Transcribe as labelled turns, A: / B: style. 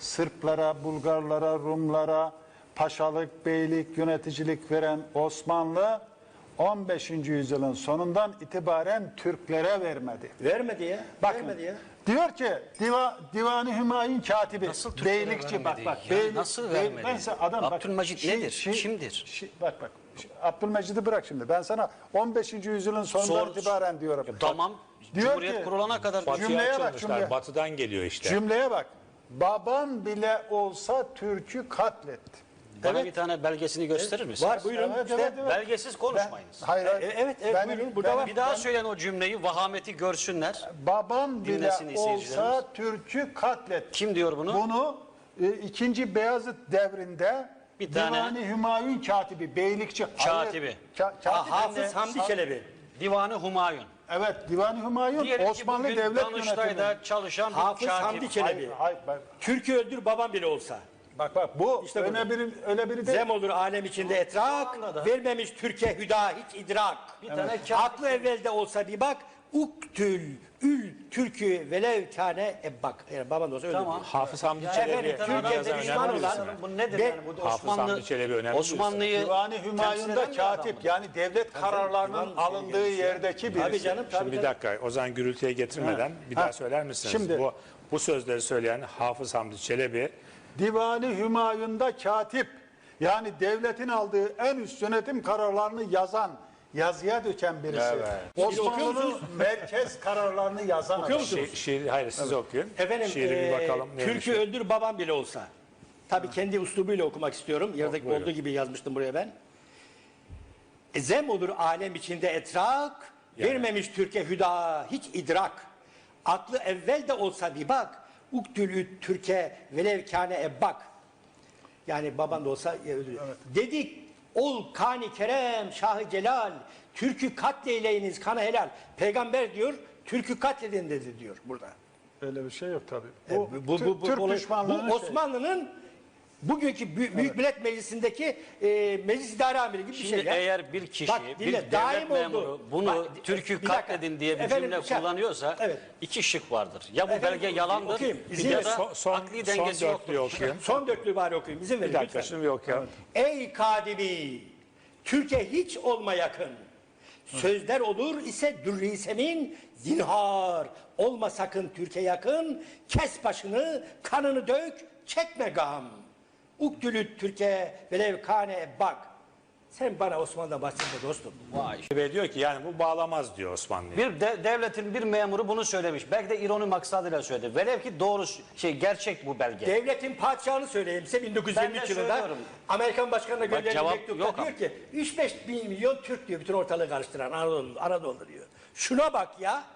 A: Sırplara, Bulgarlara, Rumlara paşalık, beylik, yöneticilik veren Osmanlı 15. yüzyılın sonundan itibaren Türklere vermedi.
B: Vermedi ya.
A: Bakın,
B: vermedi ya.
A: diyor ki Divan-ı Hümayun katibi,
C: Nasıl Türklere
A: beylikçi
C: vermedi?
A: bak.
C: Ya
A: Beylik,
C: nasıl vermedi?
A: Ben size adam bak.
C: Abdülmecit nedir? Kimdir?
A: Bak. Abdülmecid'i bırak şimdi. Ben sana 15. yüzyılın sonundan itibaren diyorum.
C: Tamam.
A: Diyor
C: Cumhuriyet
A: ki,
C: kurulana kadar
A: Batıya
D: Batıya
A: cümleye bak,
D: açılmışlar.
A: cümleye.
D: Batıdan geliyor işte.
A: Cümleye bak. Baban bile olsa Türk'ü katletti.
C: bana bir tane belgesini gösterir misin?
B: Var buyurun.
A: Evet,
B: işte.
A: evet, evet.
C: Belgesiz konuşmayınız.
A: Hayır,
B: Evet, buyurun, burada var.
C: Bir daha söyleyin o cümleyi, vahameti görsünler.
A: Baban bile
C: Dinlesin izleyicilerimiz.
A: olsa Türk'ü katletti.
C: Kim diyor bunu?
A: Bunu 2. Beyazıt devrinde
C: Bir tane-
A: Divan-ı Hümayun katibi, beylikçi.
C: Katibi.
A: Katip
B: Hafız Hamdi Çelebi.
C: Divanı Humayun.
A: Evet, Divan-ı Hümayun
C: Diyelim ki
A: Osmanlı
C: bugün
A: Devlet
C: Danıştay'da
A: Yönetimi.
C: çalışan bir
B: Hafız
C: katip.
B: Hamdi Çelebi.
A: Hayır,
B: Türk'ü öldür babam bile olsa.
A: bak bu
B: İşte
A: öyle biri değil.
B: Zem olur alem içinde etrak,
C: anda da-
B: vermemiş Türkiye hüda hiç idrak.
C: Bir tane katip.
B: Aklı evvelde olsa bir bak, uktül ül türkü velev kâne ebbak. Yani baban da olsa öyle
C: Tamam.
B: diyor.
D: Hafız Hamdi
B: efendim,
D: Çelebi.
B: Türkiye'de
D: Türkiye'de
B: düşman
D: önemli
B: olan-
D: birisi.
C: Bu nedir
B: Ve-
C: yani? Bu
D: Hafız Hamdi Çelebi önemli
C: Osmanlı'yı
A: Divan-ı
C: temsil
A: Hümayun'da
C: eden bir adam
A: katip,
C: mı?
A: yani devlet kararlarının alındığı yerdeki birisi.
B: Tabii canım, tabii
D: Şimdi bir
B: canım.
D: dakika, o zaman gürültüye getirmeden bir daha söyler misiniz?
A: Şimdi-
D: bu sözleri söyleyen Hafız Hamdi Çelebi
A: Divan-ı Hümayun'da katip, yani devletin aldığı en üst yönetim kararlarını yazan, yazıya döken birisi.
D: Evet.
A: Osmanlı'nın merkez kararlarını yazan
B: Okuyor
A: adam.
B: musunuz?
D: hayır siz okuyun.
B: Efendim,
D: Şiiri bir bakalım. neymiş
B: Türk'ü
D: o?
B: öldür babam bile olsa. Tabii kendi üslubuyla okumak istiyorum. Yerdeki
D: Buyurun.
B: olduğu gibi yazmıştım buraya ben. Zem olur alem içinde etrak, vermemiş Türkiye hüda hiç idrak. Aklı evvel de olsa bir bak, uktülü Türkiye velev kâne ebbak. Yani baban da olsa öldürüyor. Dedik ol kani kerem şahı celal, Türk'ü katleyleyiniz kanı helal. Peygamber diyor, Türk'ü katledin dedi diyor burada.
A: Öyle bir şey yok tabii.
B: Türk
A: Türk düşmanlığının
B: bu Osmanlı'nın bugünkü Büyük Millet Meclisi'ndeki meclis idare amiri gibi bir
C: Şimdi
B: şey ya.
C: eğer bir kişi,
B: Bak,
C: bir
B: dinle,
C: devlet
B: daim oldu.
C: memuru bunu
B: Bak,
C: Türk'ü
B: bir dakika.
C: katledin diye bir
B: Efendim,
C: cümle
B: şey-
C: kullanıyorsa
B: Evet.
C: iki şık vardır. Ya bu
B: Efendim,
C: belge yalandır
B: okuyayım, izin
C: ya
B: ver.
C: da akli dengesi
D: son
C: yoktur.
D: dörtlüğü okuyun.
B: Son dörtlüğü bari okuyayım. İzin verin
D: Bir dakika
B: lütfen.
D: şimdi bir okuyalım.
B: Ey kadimi, Türkiye hiç olma yakın. Sözler olur ise dürri semin, zinhar. Olma sakın Türkiye yakın, kes başını, kanını dök, çekme gam. Uktülü Türkiye velev kâne bak. Sen bana Osmanlı'dan bahsetme dostum.
C: Vay.
D: Ve diyor ki yani bu bağlamaz diyor Osmanlı'ya.
C: Bir devletin bir memuru bunu söylemiş. Belki de ironi maksadıyla söyledi. Velev ki doğru gerçek bu belge.
B: Devletin padişahını söyleyeyim size
C: Ben
B: 1923
C: de
B: yılında
C: söylüyorum.
B: Amerikan Başkanı'na gönderilen
C: cevap
B: mektupta
C: yok
B: diyor
C: ama.
B: ki 3-5 milyon Türk diyor bütün ortalığı karıştıran Anadolu diyor. Şuna bak ya.